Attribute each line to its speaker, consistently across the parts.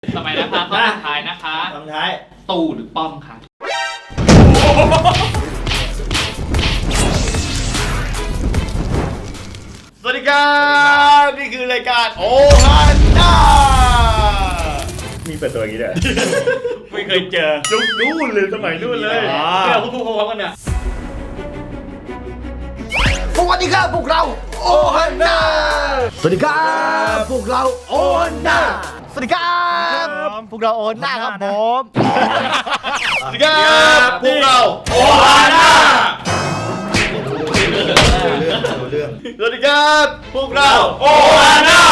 Speaker 1: ต่อไปนะคะข้อสุดท้ายนะคะ
Speaker 2: คำท้าย
Speaker 1: ตู่หรือป้อมคะ
Speaker 2: สวัสดีครับนี่คือรายการโอฮันด้ามีเปิดตัวอย่างนี้ด้วยไม่เคยเจอยุคนู่นเลยสมัยนู่นเลยที่เราพูดพร้อมกันเนี่ยสวัสดีครับพวกเราโอฮันด้าสวัสดีครับพวกเราโอฮันด้าสวัสดีครับพวกเราโอฮันด้าครับผมสวัสดีครับพวกเราโอฮันด้าสวัสดีครับพวกเราโอฮาน่า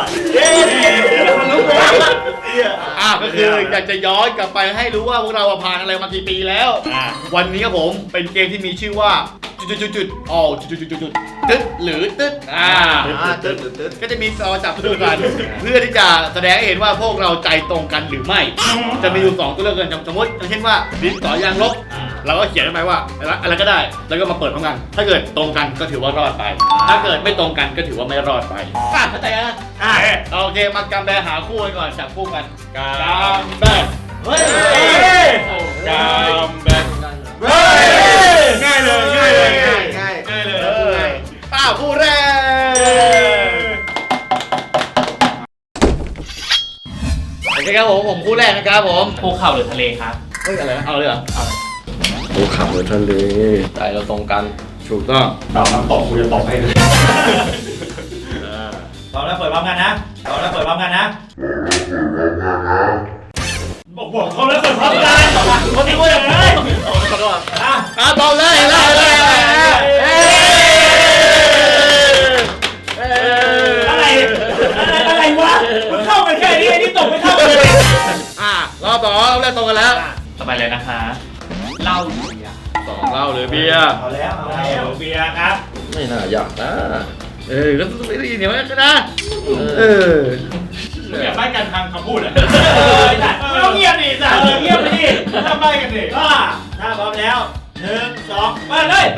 Speaker 2: ก็คืออยากจะย้อนกลับไปให้รู้ว่าพวกเราผ่านอะไรมากี่ปีแล้ววันนี้ครับผมเป็นเกมที่มีชื่อว่าจุดอ๋อจุดตึ๊ดหรือตึ๊ดตึ๊ดก็จะมีซอจับคู่กันเพื่อที่จะแสดงให้เห็นว่าพวกเราใจตรงกันหรือไม่จะมีอยู่2ตัวเลือกกันสมมติอย่างเช่นว่าดินสอยางลบเราก็เขียนไปว่าอะไรก็ได้แล้วก็มาเปิดพร้อมกันถ้าเกิดตรงกันก็ถือว่ารอดไปถ้าเกิดไม่ตรงกันก็ถือว่าไม่รอดไปเข้าใจนะโอเคมากำแบหาคู่กันก่อนจับคู่กันกำแบเฮ้ยกำแบง่ายเลยคู่แรกโอเคครับผมคู่แรกนะครับผม
Speaker 1: ภูเขาหรือทะเลครับ
Speaker 2: เฮ้ยอะไรเอาเลยเหรอ
Speaker 3: ภูเขาหรือทะเลใจเราตรงกัน
Speaker 2: ถูกต้องเราน้ำตกกูจะตกให้เลยตอนแล้วเปิดพร้อมกันนะบอกเขาแล้วเปิดพร้อมกันคนนี้ว่าอย่างไรตอบเลยอะไรวะมันเข้ากันแค่นี้ไอ้นี่ตกไม่เข้าเลยรอบต่อเราเล่นตรงกันแล้ว
Speaker 1: ต่อไปเลยนะคะเหล้าหรือเบียร์
Speaker 2: 2เหล้าหรือเบียร์เอาแล้วเบียร์ครับ
Speaker 3: ไม่น่าอยากนะ
Speaker 2: ก็ต้องไม่ได้ยินเดี๋ยวมันก็นะอย่าใบ้กันทางคำพูดไม่ต้องเงียบดิเงียบไปดิถ้าใบ้กันดิก็ถ้าพร้อมแล้ว1 2มาเลย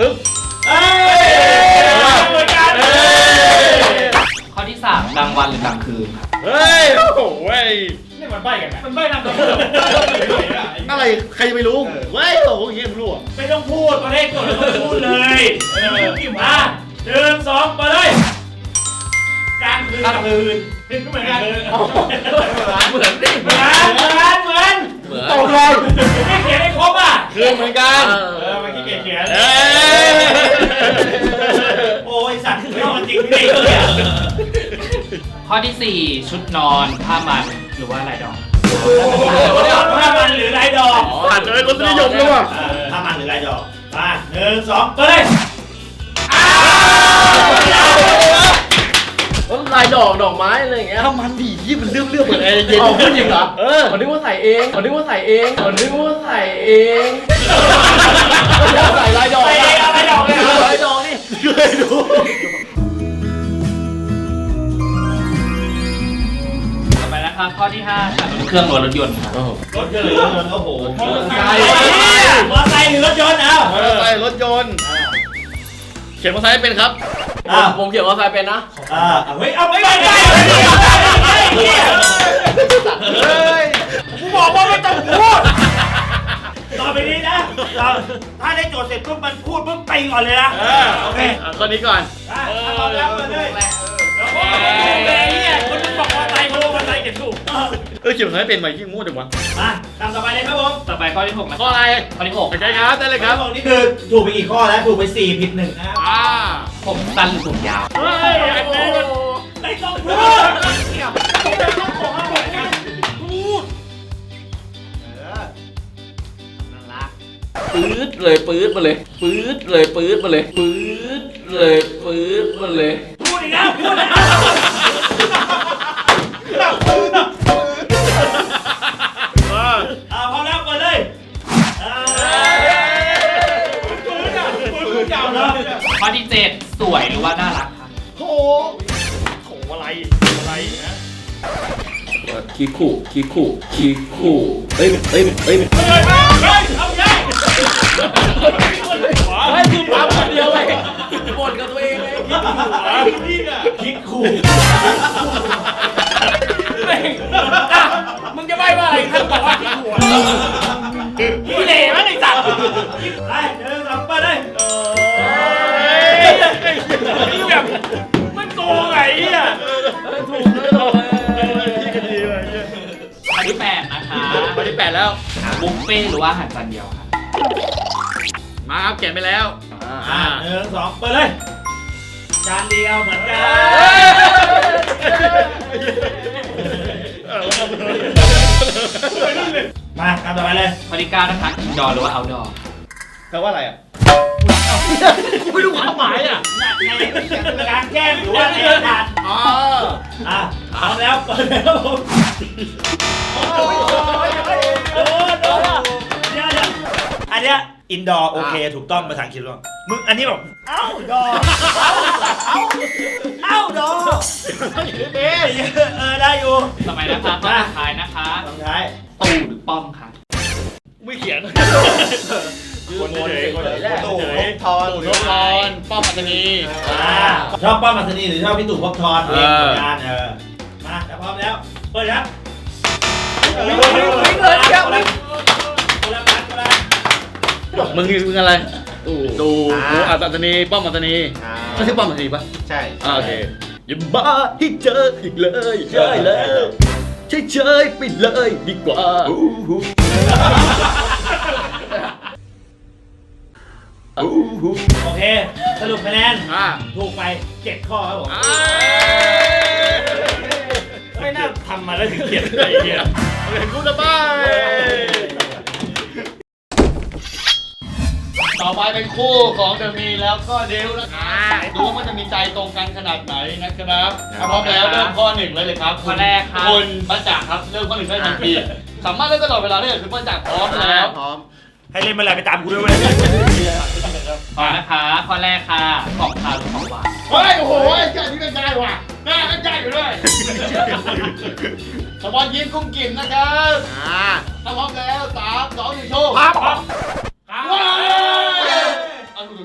Speaker 2: เหมือนกัน
Speaker 1: ข้อที่3กลางวันหรือกลางคืนครับ
Speaker 2: เฮ้ยโอ้โหนี่มันใบ้กันไหมมันใบ้ทางคำพูดอะไรใครจะไปรู้เว้ยโอ้โหอย่างเงี้ยรู้ไม่ต้องพูดประเทศก่อนไม่ต้องพูดเลยมา1 2มาเลยกลางคืนก็เหมือนกันเหมือนตกเลยไม่เขียนให้ครบอ่ะคืนเหมือนกันไม่ขี้เกียจเขียนโอ้ยสัตว์ไม่เอาจริงดิ
Speaker 1: ข้อที่4ชุดนอนผ้ามันหรือว่าลายดอก
Speaker 2: ผ้ามันหรือลายดอกผ่านเลยรสนิยมแล้วว่ะผ้ามันหรือลายดอกมา1 2ไปเลย
Speaker 3: ลายดอกไม้อะไรอย่างเงี้ย
Speaker 2: ถ้ามันดีที่มันเรื่องเหมือนไอ้เย็น
Speaker 3: จริงเหรอคนนึกว่าใส่เองใส่ลายดอกนี่
Speaker 2: เคยดู
Speaker 1: ต่อไปนะคะข้อที่5ค่ะเครื่องรถยนต์ครับ
Speaker 2: รถยนต์หรือรถยนต์โอ้โหมอเตอร์ไซค์หรือรถยนต์มอเตอร์ไซค์รถยนต์เขียนมอเตอร์ไซค์เป็นครับ
Speaker 3: ผมเขียนว่าใครเป็นนะ
Speaker 2: เฮ้ยเอาไม่ได้กูบอกว่าไม่ต้องพูดต่อไปนี้นะถ้าได้โจทย์เสร็จปุ๊บมันพูดปุ๊บไปก่อนเลยนะโอเคข้อนี้ก่อนถ้าพร้อมแล้วมาเลยแล้วก็เนี่ยคนนึงบอกว่าไตโมมันไตเก็บถูกเขียนให้เป็นไหมยิ่งงูจังวะตามต่อไปเลยครับผม
Speaker 1: ต่อไปข้อที่6นะ
Speaker 2: ข้ออะไร
Speaker 1: ข้อที่6
Speaker 2: โอเคครับได้เลยครับนี่คือถูกไปกี่ข้อแล้วถูกไป4ผิด1นะครับ
Speaker 1: ผมสั้นหรือผมยาว
Speaker 2: เฮ้ยอันนี้มันไม่ต้องพูด
Speaker 3: ปื๊ดเลยพูดอีก
Speaker 2: แล้วพอแล้วเปิดเลย
Speaker 1: ข้อที่7สวยหรือว่าน่ารักครับ
Speaker 2: โถอะไรนะ
Speaker 3: ขี้ขู่เอ้ย
Speaker 2: เอาใหญ่
Speaker 3: คือปั๊มคนเดียวเลยบ่นกับตัวเองเลย
Speaker 2: คิดขู่
Speaker 1: ข้อที่8นะคะ
Speaker 2: ข้อที่ 8 แล้ว
Speaker 1: บุฟเฟ่ต์หรือว่าอาหารจานเดียวค่ะ
Speaker 2: มาครับเขียนไปแล้ว
Speaker 4: 1 2เปิดเลย จานเดียวเหมือนกันมาคำต่อไปเลย
Speaker 1: ข้อที่9นะคะอินดอร์หรือว่าเอาท์ดอร์
Speaker 2: แปลว่าอะไรอ่ะ
Speaker 4: ไม่รู้ความหมายอ่ะในกลางแจ้งหรือว่าในอากาศ
Speaker 2: อ๋อ
Speaker 4: พร้อมแล้วเปิดแล้วผมโดนอันเนี้ยอินดอร์โอเคถูกต้องภาษาอังกฤษว่ามึงอันนี้แบบเอ้าดอเอ้าดอได้อยู่
Speaker 1: ต่อไปนะคะข้อสุดท้ายนะคะ
Speaker 4: สุดท้าย
Speaker 1: ตู่หรือป้อมค่ะ
Speaker 2: ไม่เขียน
Speaker 4: คนเฉยคนเฉย
Speaker 2: ตู่ทอนตู่ทอนป้อมอัศนี
Speaker 4: ชอบป้อมอัศนีหรือชอบพี่ตู่พบทอนเองผลงานมาถ้าพร้อมแล้วเปิดครับคนละพันคนละ
Speaker 2: มึงอะไร ตู่อัศนีป้อมอัศนีไม่ใช่ป้อมอัศนีปะ
Speaker 3: ใช่
Speaker 2: โอเคอย่าบ้าที่เจออีกเลยใช่แล้วเฉยๆไปเลยดีกว่า
Speaker 4: โอเคสรุปคะแนน
Speaker 2: อ่า
Speaker 4: ถูกไป7ข้อครับผมไม่น่าทำมาแล้วถึงเขียนอะไรเงี้ย
Speaker 2: เห็นกูจะบ้าต่อไปเป็นคู่ของเดอะมีแล้วก็เดลนะครับดูว่ามันจะมีใจตรงกันขนาดไหนนะครับถ้าพร้อมแล้วเริ่มข้อ 1เลยครับ
Speaker 1: ข้อแรกครับ
Speaker 2: คุณป้าจักรครับเริ่มข้อ 1ได้ทันทีสามารถเล่นตลอดเวลาได้เลยคุณป้าจักรพร้อมแล้ว
Speaker 3: พร้อม
Speaker 4: ให้เล่นมาอะไรไปตามกูด้วยเว้ย
Speaker 1: ข้อนะคะข้อแรกค่ะของคาวหรือของหวาน
Speaker 2: เฮ้ยโอ้โหเจ้าที่เป็นใจว่ะหน้าก็ใจอยู่ด้วยสปอนยิ้มกุ้งกิ่มนะครับถ้าพร้อมแล้ว3 2 1โชว์ครับว้าวเอาดู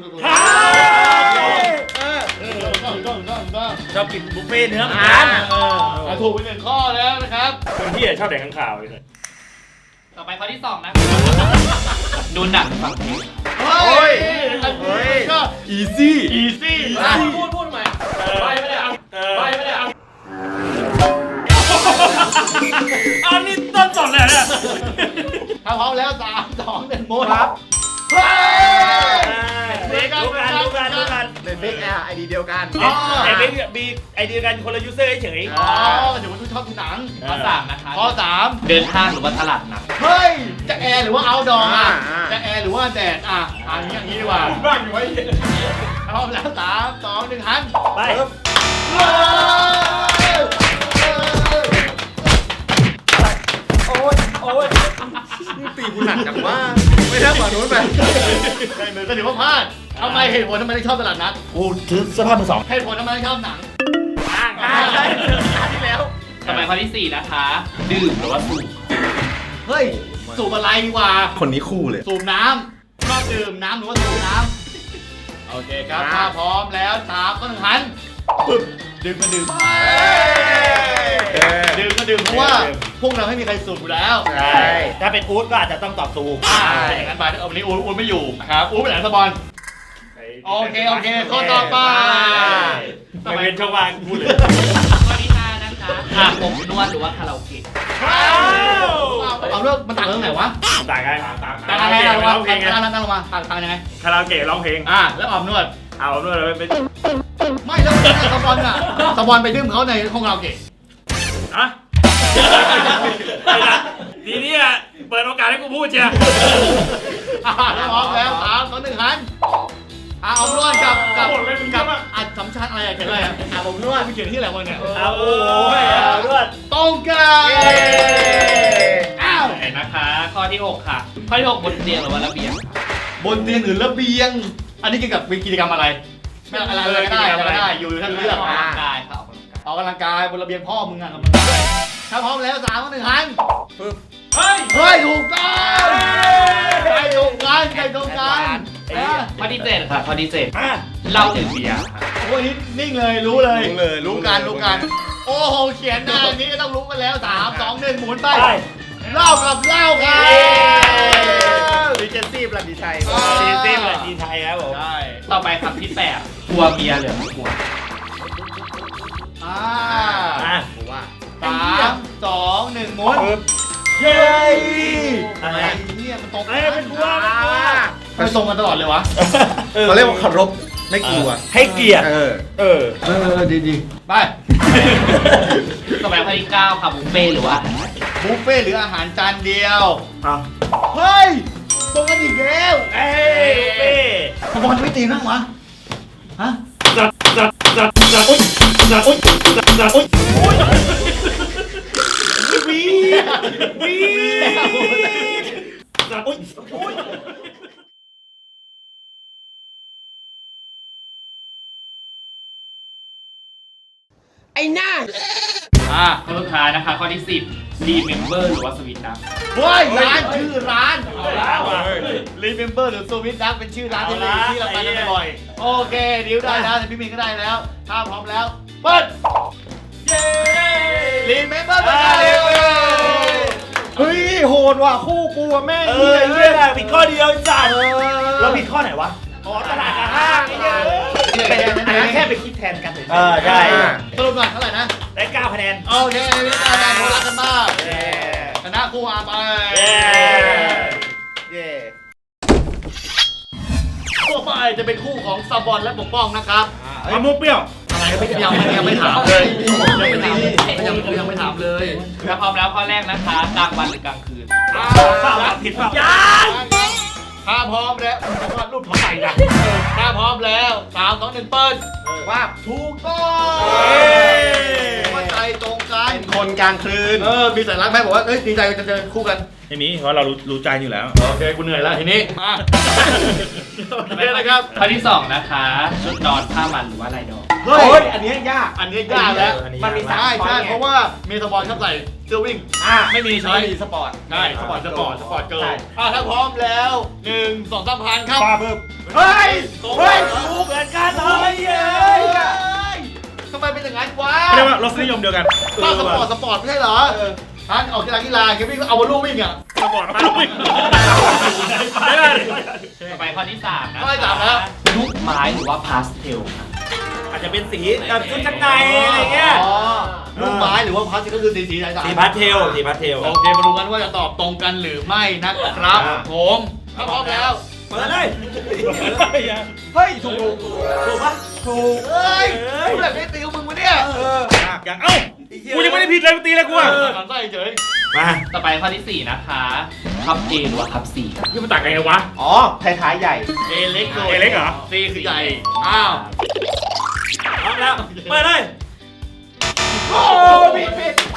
Speaker 4: ชอบกินบุฟเฟ่เนื้อเหมือนกัน
Speaker 2: ถูกไป1ข้อแล้วนะครับ
Speaker 4: คนที่ชอบแดกข้างข่าวเลย
Speaker 1: ต่อไปข้อที่2นะคะดูหนังฟังเพลง
Speaker 2: เฮ้ยก็อีซี่
Speaker 1: พูดใหม่ไปไม่ได้เอาไปไม่ได้เอา
Speaker 4: อันนี้ต้นสดเลยเนี่ย
Speaker 2: ถ้าพร้อมแล้ว3 2 1โมดครับ
Speaker 4: รู้กัน
Speaker 3: เป็นบิ๊กแอร์ไอดีเดียวกัน
Speaker 4: แต่เป็นมีไอเดียกันคนละยูเซอร์เฉย
Speaker 2: อ๋อเดี๋ยวคุณชอบดูหนัง
Speaker 1: ข้อ3นะคะ
Speaker 2: ข้อ 3
Speaker 1: เดินห้างหรือว่าตลาดนัด
Speaker 2: เฮ้ยจะแอร์หรือว่าเอาดองอ่ะจะแอร์หรือว่าแดดอย่างนี้ดีกว่าบ้านอยู่ไว้พร้อมแล้ว3 2 1หัน
Speaker 4: ไป
Speaker 3: ตีกูหนักจังว่าไม่ได้ฝั่งนู้นไป
Speaker 2: ใช่เลยก็ถือว่าพลาดทำไมเหตุผลทำไมถึงชอบตลาดนัด
Speaker 4: กูถือเสื้อผ้ามือสอง
Speaker 2: เหตุผลทำไมถึงชอบหนัง
Speaker 4: ใช่ที่แล้ว
Speaker 1: ต่อไปข้อที่4นะคะดื่มหรือว่าสูบ
Speaker 2: เฮ้ยสูบอะไรดีกว่า
Speaker 3: คนนี้คู่เลย
Speaker 2: สูบน้ำชอบดื่มน้ำหรือว่าสูบน้ำโอเคครับถ้าพร้อมแล้ว3 2 1หันปึ๊บดื่มก็ดื่มเพราะว่าพวกเราไม่มีใครสูบอยู่แล้ว
Speaker 4: ใช่ถ้าเป็นอู๊ดก็อาจจะต้องตอบถูก
Speaker 2: อย่างนั้นไปวันนี้อู๊ดไม่อยู่ครับอู๊ดไปไหนสปอนโอเคข้อต่อไป
Speaker 4: ไม่เป็นช่องว่างพูดเลย
Speaker 1: ข้อที่5นะคะอาบอบนวดหรือว่าคาราโอเกะ
Speaker 2: เอาเรื่องมันต่างเรื่องไหนวะ
Speaker 4: ต่างกัน
Speaker 2: ต่างอะไรลงมาตั้งลงมาต่างยังไง
Speaker 4: คาราโอเกะร้องเพลง
Speaker 2: แล้วออมนวด
Speaker 4: เอาด้วยเลยเป็น
Speaker 2: ไม่แล้วสปอนอ่ะสปอนไปดื่มเขาในห้องเราเกะ
Speaker 4: อะทีนี้เปิดโอกาสให้กูพูดเชียร์
Speaker 2: แล้วพร้อมแล้ว3 2 1หันออมนวดกับอัดสำชันอะไรเขียนอะไรอมนวดเขียนที่อะไรวะเนี่ย
Speaker 4: เอาโอ้ยเอาด้วย
Speaker 2: ตรงกันอ้าว
Speaker 1: เห็นนะคะ ข้อที่ 6 ค่ะ ข้อที่ 6 บนเตียงหรือว่าระเบียง
Speaker 2: บนเตียงหรือระเบียง อันนี้เกี่ยวกับกิจกรรมอะไรไม่อะไรก็ได้อยู่ท่านเลือก
Speaker 1: ออกกำลังกายค่ะออกกำลังกาย
Speaker 2: ออกกำลังกายบนระเบียงพ่อมึงอ่ะกำลังกายถ้าพร้อมแล้ว3 2 1หัน
Speaker 4: เฮ้ย
Speaker 2: เฮ้ยถูกต้องใครตรงกัน
Speaker 1: ข้อที่ 7 ค่ะ ข้อที่
Speaker 4: อ่ะ
Speaker 1: 7เหล้าหรือเบียร์ค่ะ
Speaker 2: โอ้ยนิ่งเลยรู้เลยรู้กันโอ้โหเขียนหน้านี้ก็ต้องรู้กันแล้ว3 2 1หมุนไปเล่ากับเล่าครับ
Speaker 3: ดีเจนซี่ประดิชัย
Speaker 4: ทีมเลยทีไทยครับผม
Speaker 2: ใช่
Speaker 1: ต่อไปครับที่ 8 กลัวเบียร์หรือไม่กลัว
Speaker 2: อ่า
Speaker 4: อ่ะ
Speaker 3: ผมว่า
Speaker 2: 3 2 1หมุน
Speaker 4: เย้
Speaker 2: อะไรเนี่ยมันตรง
Speaker 4: เป็นกลัว
Speaker 2: มันตรงกันตลอดเลยวะ
Speaker 5: เขาเรียกว่าเคารพไม่กลัว
Speaker 4: ให้เกียรติ
Speaker 5: ดี
Speaker 2: ไป
Speaker 1: ต่อไปข้อที่9ค่ะบุฟเฟ่ต์หรือว่า
Speaker 2: บุฟเฟ่ต์หรืออาหารจานเดียว
Speaker 4: อ่ะ
Speaker 2: เฮ้ยตรงกันอีกแล้ว
Speaker 4: เอ้ยเป้
Speaker 2: ขบวนไม่ตีนั่งวะฮะ
Speaker 4: จัดอุ๊ยจัดอุ๊ยจัดอุ๊ยวีจัดอุ๊ย
Speaker 1: ข้อสุดท้ายนะคะข้อที่10 Remember หรือว่าสวิตนะ
Speaker 2: เฮ้ยร้านชื่อร้าน
Speaker 4: ร้านว่ะ
Speaker 2: Remember หรือ Sweet Duck เป็นชื่อร้านที่เราไปกันบ่อยๆโอเคดิวได้แล้วแต่พี่มินก็ได้แล้วถ้าพร้อมแล้วเปิด
Speaker 4: เย้
Speaker 2: Remember เป็นอะไร
Speaker 5: เฮ้ยโหดว่ะคู่กูอะแม่ง
Speaker 4: เหี้ยผิดข้อเดียวจัดแล้วผิดข้อไหนวะอ๋อตลาดกับห้างไอ้เหี้ย
Speaker 5: เป็นแค่ไปคิดแทนกันเฉย
Speaker 4: ใช่
Speaker 2: สรุปหน่อยเท่าไหร่นะ
Speaker 4: ได้9คะแนน
Speaker 2: โอเคไม่ได้การโทรรักกันมากชนะคู่อาไป
Speaker 5: เย่
Speaker 2: คู่ไปจะเป็นคู่ของซาบอนและปกป้องนะครับ
Speaker 4: มะม่วงเปรี้ยว
Speaker 2: ยังไม่ถามเลยยังไม่ถามเลย
Speaker 1: ถ้าพร้อมแล้วข้อแรกนะคะกลางวันหรือกลางคืน
Speaker 4: ผิดเปล่า
Speaker 2: ถ้าพร้อมแล้วผมวาดรูปของใหม่นะถ้าพร้อมแล้ว3 2 1เปิดว่าถูกต้องว่าใจตรงกัน
Speaker 5: เป็นคนกลางคืน
Speaker 2: มีสัญลักษณ์ไหมบอกว่าเอ้ยดีใจจะเจอคู่กัน
Speaker 4: ไม่มีเพราะเรารู้ใจอยู่แล้ว
Speaker 2: โอเคกูเหนื่อยแล้วทีนี้มาโอเคนะครับ
Speaker 1: ข้อที่2นะคะชุดนอนผ้ามันหรือว่าลายดอก
Speaker 2: เฮ้
Speaker 5: โอ้
Speaker 2: ย
Speaker 5: ยอันนี้ยาก
Speaker 2: อันนี้ยากแล้ว
Speaker 5: มันมี
Speaker 2: ใช่
Speaker 5: 3
Speaker 2: ใช่เพราะว่ามีสปอนชอบใส่เสื้อวิ่ง ไม่มีใช้
Speaker 5: ไม่มีสปอร์ต
Speaker 2: ใช่สปอร์ตเกิร์ล
Speaker 5: ใช่
Speaker 2: ถ้าพร้อมแล้ว1 2 3พันครับ
Speaker 5: ปลาเพิ่ม
Speaker 2: เฮ้ย
Speaker 4: เฮ้ยถูกเหมือนกันเลยเย้ย
Speaker 2: ทำไมเป็นอย่างนั้นวะ
Speaker 4: เรียกว่ารสนิยมเดียวกัน
Speaker 2: ถ้าสปอร์ตไม่ใช่เหรอท่านออกกีฬาเกมวิ่งเอาบอลลูนวิ่งอ่ะ
Speaker 4: สปอร์ตไม่ได้
Speaker 1: ต่อไปข้อที่3นะ
Speaker 2: ข้อที่สามแล้ว
Speaker 1: ลูกไม้หรือว่าพาสเทลค่ะ
Speaker 4: อาจจะเป็นสีแบบชุดชั้นในอะไรเงี้ย
Speaker 2: อ๋อลูกไม้หรือว่าพัสก็คือสีสาย
Speaker 4: สีพาสเทลสีพาสเทล
Speaker 2: โอเคมาดูกันว่าจะตอบตรงกันหรือไม่นะครับผมถ้าพร้อมแล้ว
Speaker 4: เปิดเลย
Speaker 5: เฮ้ยถูก
Speaker 4: ถูกปะ
Speaker 5: ถูก
Speaker 2: เฮ้ยกูแบบไม่ติวมึงวะเนี่ย
Speaker 4: อย่างเอ้ากูยังไม่ได้ผิดเลยตีเลยกูอ่ะ
Speaker 2: มันใส่เฉย
Speaker 4: มา
Speaker 1: ต่อไปข้อที่4นะคะคัพ A หรือว่าคัพ C ครับ
Speaker 4: นี่มันต่างกันไงวะ
Speaker 5: อ๋อท้ายๆใหญ่
Speaker 2: เอเล็ก
Speaker 4: เอเล็กเหรอ
Speaker 2: ซีคือใหญ่อ้าว
Speaker 4: พร้อมแล้วเปิดเลย
Speaker 5: โอ้ผิด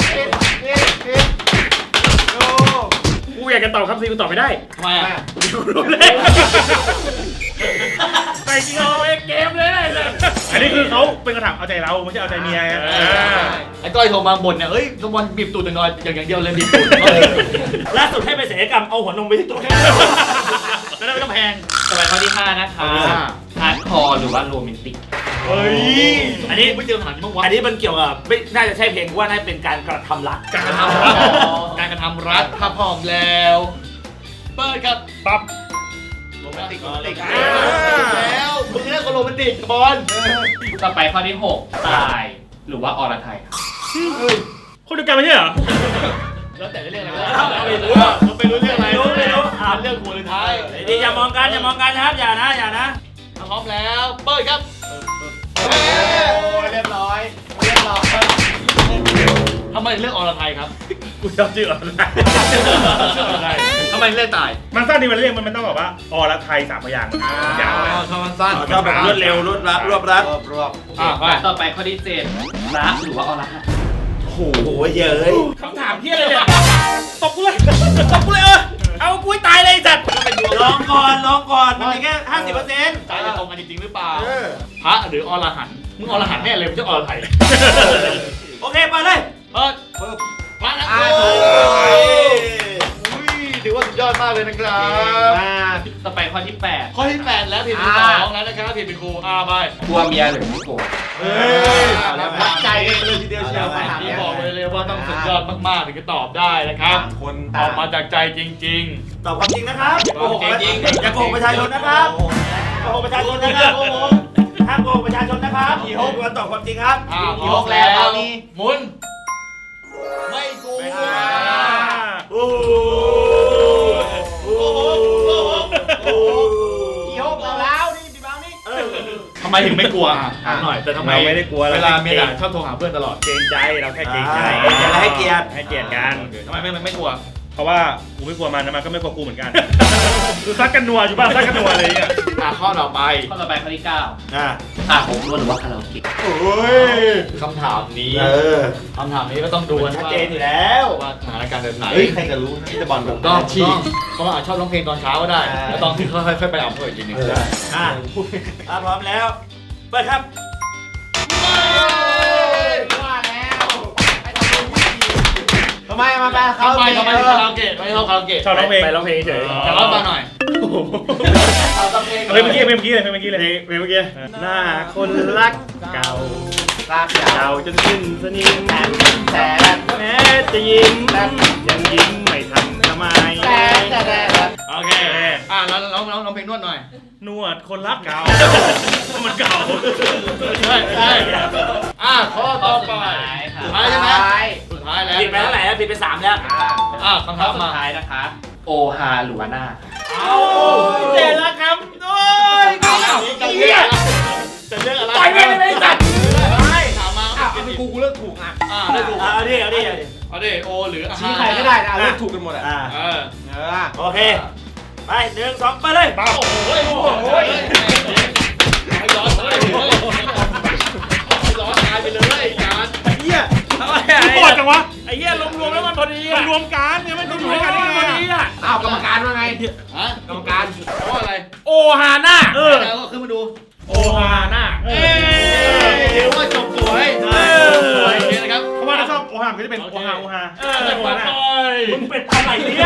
Speaker 5: โอ้
Speaker 4: กูอยากจะตอบครับซีกูตอบไม่ได้
Speaker 2: ทำไมอ่ะ
Speaker 4: รู้เลยไปจริงเอาเกมเลยอันนี้คือเขาเป็นกระถางเอาใจเราไม่ใช่เอาใจเมีย
Speaker 2: ไอ้ก้อยโทรมาบ่นเนี่ยเอ้ยสมบอลบีบตูดหน่อยอย่างเดียวเลยบีบตูด
Speaker 4: ล่าสุดให้ไปศัลยกรรมเอาหัวนมไปที่ตัวแล้วไม่ต้องแพง
Speaker 1: ต่อไปข้อที่5นะคะฮาร์ดคอร์หรือว่าโรแมนติก
Speaker 2: เฮ้ย
Speaker 4: อันนี้
Speaker 2: ไม่เจอหนังบ้างวะ
Speaker 4: อันนี้มันเกี่ยวกับไม่น่าจะใช่เพลงว่าน่าเป็นการกระทำรัก
Speaker 2: การกระทำรักการกระทำรักถ้าพร้อมแล้วเปิดครับ
Speaker 4: ปั๊บ
Speaker 2: โรแมนติกแล้วมึงเรียกว่าโรแมนติกบอล
Speaker 1: ต่อไปข้อที่6ตายหรือว่าอรไทยครับ
Speaker 4: คนเดียวกันไม่ใช่เหรอ
Speaker 2: แล้วแต่จะเรียกอะไรไม่รู้มันไม่รู้เรื่องอะไรเรื่องหัวหรือท้าย
Speaker 4: ดีอย่ามองกันนะครับอย่านะ
Speaker 2: ถ้าพร้อมแล้วเปิดครับ
Speaker 5: เรียบร้อย
Speaker 2: ทำไมเลือกอรไทยครับ
Speaker 4: กูชอบชื่ออะไร
Speaker 2: ทำไมเลือกตาย
Speaker 4: มันสั้นดีมันเรียกมันต้องแบบว่าอรไทย3 พยางค์ยาวเลย
Speaker 2: ชอบมันสั้น
Speaker 4: ชอบแบบรวดเร็วรวบรัด
Speaker 5: รวบ
Speaker 2: ไป
Speaker 1: ต่อไปข้อที่7พระหรือว่าอรหันต์
Speaker 4: โอ้โหเยอะคำถามเพี้ยอะไรเนี่ยตบกูเลยเอากูให้ตายเลยไอ้สัตว์ลองก่อนมันมีแค่ 50%
Speaker 2: ใจจะตรงกันจริงๆหรือเปล่าพระหรืออรหันต์มึงอรหันต์แน่เลยไม่ใช่อรไทย
Speaker 4: โอเคไปเลย
Speaker 2: เปิดพระนะครัถือว่าสุดยอดมากเลยนะครับ
Speaker 1: ต่อไปข้อที่8
Speaker 2: ข้อที่8แล้วผิดเป็น2แล้วนะครับผิดเป็นครูไป
Speaker 1: กลัวเมียหรือไม่โกรธ
Speaker 5: รักใจกันเลยทีเดียวเชียว
Speaker 2: นี่บอกเลยว่าต้องสุดยอดมากๆถึงจะตอบได้นะครับ
Speaker 5: คน
Speaker 2: ออกมาจากใจจริง
Speaker 4: ตอบความจริงนะครับ
Speaker 2: จริง
Speaker 4: อย่าโกหกประชาชนนะครับโกหกประชาชนนะครับห้ามโกหกประชาชนนะครับกี่โฮกวันตอบความจริงครับ
Speaker 2: พร้อมแล้วหมุนไม่กู
Speaker 4: โอ้โห
Speaker 2: ถึงไม่กลัวถามหน่อยแต่ทำไม
Speaker 5: เราไม่ได้กลัว
Speaker 2: เวลาเมียด่าชอบโทรหาเพื่อนตลอด
Speaker 5: เกรงใจเราแค่เกรงใจ
Speaker 4: อย่าให้เกียรติ
Speaker 5: ให้เกียรติกัน
Speaker 2: ทำไมไม่กลัว
Speaker 5: เพราะว่ากูไม่กลัวมันนะมันก็ไม่กลัวกูเหมือนกันคือซักกันนัวอยู่บ้านซักกันนัวอะไรเงี้ย
Speaker 2: ข้อต่อไป
Speaker 1: ข้อต่อไปข้อที่
Speaker 4: อ่า
Speaker 1: 9ผมรู้หรือว่าคาราโอเกะ
Speaker 2: โอ้ยคำถามนี้
Speaker 4: เออ
Speaker 2: คำถามนี้ก็ต้องดูกัน
Speaker 4: ชัด
Speaker 2: ว่า
Speaker 4: เจนอยู่แล้ว
Speaker 2: ว่าสถานการณ์แบบไหน
Speaker 4: เฮ้ยใครก็รู้นะที่จะบอลแบบ
Speaker 2: ก็
Speaker 4: ฉีก
Speaker 2: เพราะว่าอาจชอบร้องเพลงตอนเช้าก็ได้
Speaker 4: อ่า
Speaker 2: แล้วตอนที่ค่อยๆไปเอาเพื่อนอีกทีหนึง
Speaker 4: อ่าพร้อมแล้วเปิดครับ ทำไมมาไป
Speaker 2: ทำไมคาราโอเกะไม่ชอบคาราโอเกะ
Speaker 5: ชอบร้องเพลง
Speaker 3: ไปร้องเพลงเฉย
Speaker 2: แต่ว่าฟังหน่อย
Speaker 5: เพลงเมื่อกี้เพลงเมื่อกี้เลยเพลงเมื่อกี้หน้าคนรักเก่า
Speaker 4: ลากยา
Speaker 5: เก่าวจนสิ้นสนิม
Speaker 4: แต่
Speaker 5: แม้จะยิ้มยังยิ้มไม่ทันทำไม
Speaker 2: โอเคแล้วร้องเพลงนวดหน่อย
Speaker 5: นวดคนรักเก่ามันเก่า
Speaker 2: ใช่ข้อ
Speaker 1: ข้
Speaker 2: ต่
Speaker 1: อ
Speaker 2: อ
Speaker 1: สุด
Speaker 2: ไป
Speaker 1: ท้ายค่ะ
Speaker 2: สุดท้ายใช่ไหมสุดท้ายแล้ว
Speaker 4: ผิดไปเท่าไหร่แล้วผิดไป3แล้ว
Speaker 2: คำ
Speaker 1: ข้อ
Speaker 2: ถาม
Speaker 1: สุ
Speaker 2: มา
Speaker 1: ดท้ายนะคะ โอฮาหรือว่าน่า
Speaker 4: เอาเจนแล้วครับโอ้ย
Speaker 2: จะเลือกจะเลือกอะไร
Speaker 4: ต่อยไม่ได้จัด
Speaker 2: ถามมา
Speaker 5: เป็นกูเลือกถูกอ่ะ
Speaker 2: เลือกถูก
Speaker 4: เอาดิ
Speaker 2: เอาดิโอหรือ
Speaker 5: ชี้ใครก็ได้นะเลือกถูกกันหมดอ่ะ
Speaker 4: โอเค ไป1 2ไปเลย
Speaker 2: โอ้โหร้อนตายไปเลยจาน
Speaker 5: เหี้ยโคตรจังวะไอ้เหี้ยรวมแล้วมันพอดีมันรวมกันเนี่ยมันอยู่ด้วยกันได้ไงอ่ะ
Speaker 4: อ้าวกรรมการว่าไง
Speaker 2: ฮะกรรมการเพราะอะไร
Speaker 5: โอฮาน่า
Speaker 2: แล้วก็ขึ้นมาดู
Speaker 5: โอฮาน่า
Speaker 2: เรียกว่าจบสวยสวยนะครับ
Speaker 5: เพราะว่าถ้าชอบโอฮาก็จะเป็นโอฮาโอฮา
Speaker 2: โอฮา
Speaker 5: มึงเป็นอะไรเนี่ย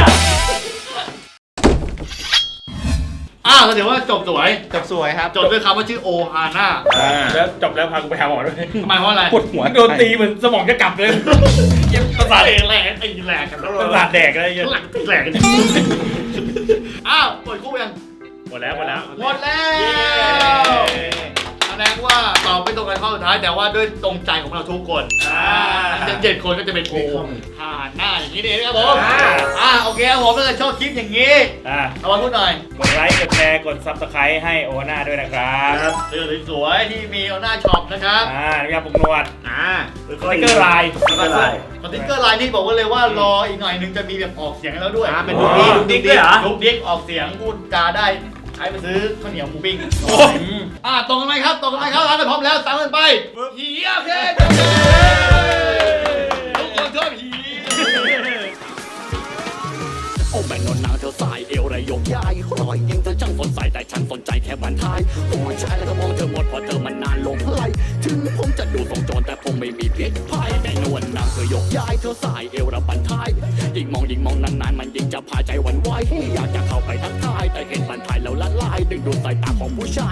Speaker 2: ก็ถือว่าจบสวย
Speaker 4: จบสวยครับ
Speaker 2: จบด้วยคำว่าชื่อโอฮาน่า
Speaker 5: แล้วจบแล้วพากูไปหาหมอด้วย
Speaker 2: ทำไมเพราะอะไร
Speaker 5: ปวดหัวโดนตีเหมือนสมองจะกลับเลย
Speaker 2: ประสาทแหลกไอ้แหลกกัน
Speaker 5: ประสาทแดกอะไรเงี้ย
Speaker 2: หลังแหลกกันเปิดคู่ยัง
Speaker 5: หมดแล้ว
Speaker 2: หมดแล้วแสดงว่าตอบไม่ตรงกันข้อสุดท้ายแต่ว่าด้วยตรงใจของเราทุกคนทั้ง7 คนก็จะเป็นโอฮาน่าอย่างนี้เองครับผมโอเคครับผมถ้าเกิดชอบคลิปอย่างนี้เอามาพูดหน่อย
Speaker 5: กดไลค์กดแชร์กดซับสไครต์ให้โอฮาน่าด้วยนะครับ
Speaker 2: เสื้อสวยๆที่มีโอหน้าช็อปนะครับ
Speaker 5: นี่ครับผมนวดสติ๊กเกอร์ลาย
Speaker 2: สติ๊กเกอร์ไลน์นี่บอกไว้เลยว่ารออีกหน่อยนึงจะมีแบบออกเสียงให้แล้วด้วย
Speaker 4: เป็นลูกดิ๊กด้วยเหรอ
Speaker 2: ลูกดิ๊กออกเสียงพูดจาได้ใช้ไปซื้อข้าวเหนียวหมูปิ้งตรงกันไหมครับตรงกันไหมครับร้านกันพร้อมแล้วตามกันไปผีโอเคทุกคนชอบผี
Speaker 6: โอ้แม่นอนนางเธอสายเอวระยกย้ายรอยยิงเธอช่างสนใจแต่ฉันสนใจแค่บันทายโอ้ยชายแล้วก็มองเธอหมดเพราะเธอมันนานลงไหลถึงผมจะดูทรงโจรแต่ผมไม่มีพิษภัยแต่นวลนางเธอยกย้ายเธอสายเอวระบันทายยิ่งมองนานๆมันยิ่งจะพาใจหวั่นไหวอยากจะเข้าไปทักทายแต่เห็นบันทายแล้วละลายดึงดูดสายตาของผู้ชาย